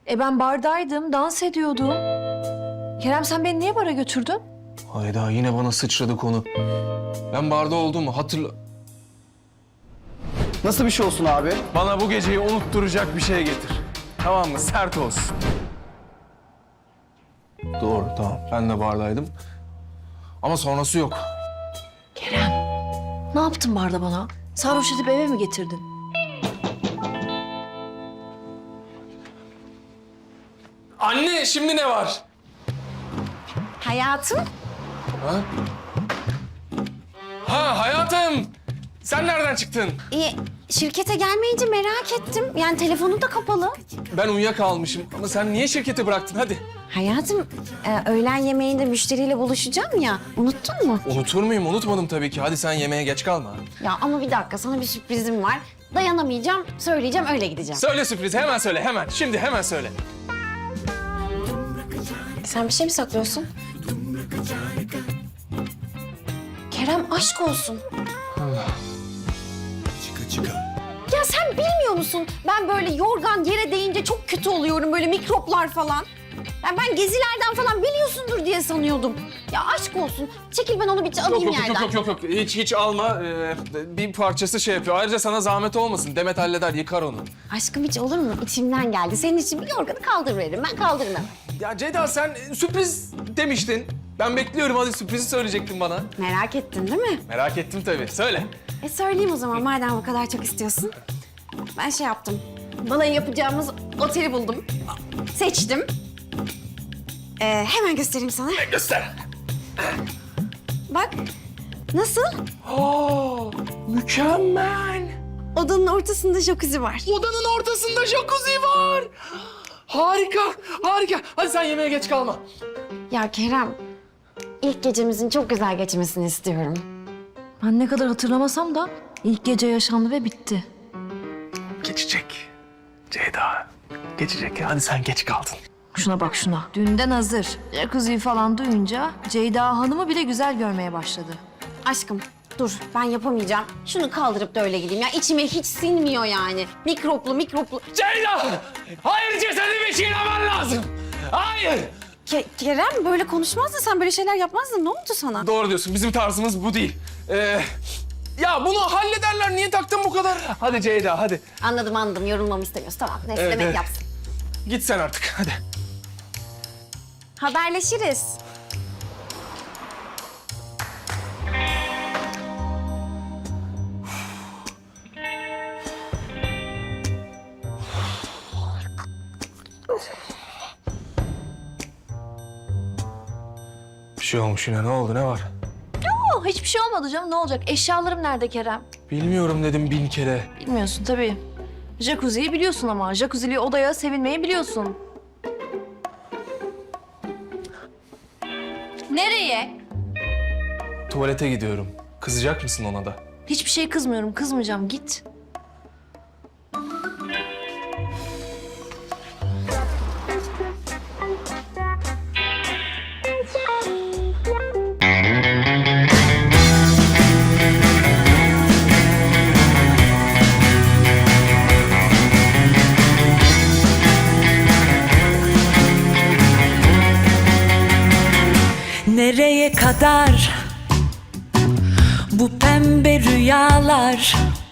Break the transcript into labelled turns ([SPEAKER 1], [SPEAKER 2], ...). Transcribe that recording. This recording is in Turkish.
[SPEAKER 1] Ben bardaydım, dans ediyordum. Kerem sen beni niye bara götürdün?
[SPEAKER 2] Hayda yine bana sıçradı konu. Ben barda olduğumu hatırla...
[SPEAKER 3] Nasıl bir şey olsun abi?
[SPEAKER 2] Bana bu geceyi unutturacak bir şey getir. Tamam mı? Sert olsun. Doğru tamam. Ben de bardaydım. Ama sonrası yok.
[SPEAKER 1] Kerem, ne yaptın barda bana? Sarhoş edip eve mi getirdin?
[SPEAKER 2] Anne şimdi ne var?
[SPEAKER 4] Hayatım.
[SPEAKER 2] Ha? Ha hayatım. Sen nereden çıktın?
[SPEAKER 4] Şirkete gelmeyince merak ettim. Yani telefonu da kapalı.
[SPEAKER 2] Ben uyuyakalmışım ama sen niye şirketi bıraktın hadi?
[SPEAKER 4] Hayatım, öğlen yemeğinde müşteriyle buluşacağım ya. Unuttun mu?
[SPEAKER 2] Unutur muyum? Unutmadım tabii ki. Hadi sen yemeğe geç kalma.
[SPEAKER 4] Ya ama bir dakika, sana bir sürprizim var. Dayanamayacağım, söyleyeceğim, öyle gideceğim.
[SPEAKER 2] Söyle sürprizi hemen söyle hemen. Şimdi hemen söyle.
[SPEAKER 4] Sen bir şey mi saklıyorsun? Kerem, aşk olsun. Ya sen bilmiyor musun? Ben böyle yorgan yere değince çok kötü oluyorum. Böyle mikroplar falan. Ben gezilerden falan biliyorsundur diye sanıyordum. Ya aşk olsun. Çekil, ben onu bir alayım yerden.
[SPEAKER 2] Yok. Hiç alma. Bir parçası şey yapıyor. Ayrıca sana zahmet olmasın. Demet halleder, yıkar onu.
[SPEAKER 4] Aşkım hiç olur mu? İçimden geldi. Senin için bir yorganı kaldırıveririm. Ben kaldırmam.
[SPEAKER 2] Ya Ceyda sen sürpriz demiştin. Ben bekliyorum. Hadi sürprizi söyleyecektin bana.
[SPEAKER 4] Merak ettin değil mi?
[SPEAKER 2] Merak ettim tabii. Söyle.
[SPEAKER 4] Söyleyeyim o zaman, madem bu kadar çok istiyorsun. Ben şey yaptım. Balayı yapacağımız oteli buldum. Seçtim. Hemen göstereyim sana.
[SPEAKER 2] Göster.
[SPEAKER 4] Bak. Nasıl?
[SPEAKER 2] Oo, mükemmel.
[SPEAKER 4] Odanın ortasında jacuzzi var.
[SPEAKER 2] Odanın ortasında jacuzzi var. Harika. Hadi sen yemeğe geç kalma.
[SPEAKER 4] Ya Kerem, ilk gecemizin çok güzel geçmesini istiyorum.
[SPEAKER 1] Ben ne kadar hatırlamasam da ilk gece yaşandı ve bitti.
[SPEAKER 2] Geçecek. Ceyda. Geçecek. Hadi sen geç kaldın.
[SPEAKER 1] Şuna bak şuna. Dünden hazır. Jacuzzi falan duyunca Ceyda Hanım'ı bile güzel görmeye başladı.
[SPEAKER 4] Aşkım, dur, ben yapamayacağım. Şunu kaldırıp da öyle gideyim ya. İçime hiç sinmiyor yani. Mikroplu.
[SPEAKER 2] Ceyda! Hayır cesedimi çiğnemen lazım. Hayır!
[SPEAKER 4] Kerem, böyle konuşmazdın sen, böyle şeyler yapmazdın. Ne oldu sana?
[SPEAKER 2] Doğru diyorsun. Bizim tarzımız bu değil. Ya bunu hallederler. Niye taktın bu kadar? Hadi Ceyda hadi.
[SPEAKER 4] Anladım. Yorulmamı istemiyorsun. Tamam, neyse,
[SPEAKER 2] Evet,
[SPEAKER 4] Demet
[SPEAKER 2] evet.
[SPEAKER 4] yapsın.
[SPEAKER 2] Git sen artık hadi.
[SPEAKER 4] Haberleşiriz.
[SPEAKER 2] Bir şey olmuş yine. Ne oldu? Ne var?
[SPEAKER 1] Hiçbir şey olmadı canım. Ne olacak? Eşyalarım nerede Kerem?
[SPEAKER 2] Bilmiyorum dedim 1000 kere.
[SPEAKER 1] Bilmiyorsun tabii. Jacuzziyi biliyorsun ama. Jacuzzi'li odaya sevinmeyi biliyorsun. Nereye?
[SPEAKER 2] Tuvalete gidiyorum. Kızacak mısın ona da?
[SPEAKER 1] Hiçbir şey kızmıyorum. Kızmayacağım. Git.
[SPEAKER 5] Nereye kadar bu pembe rüyalar?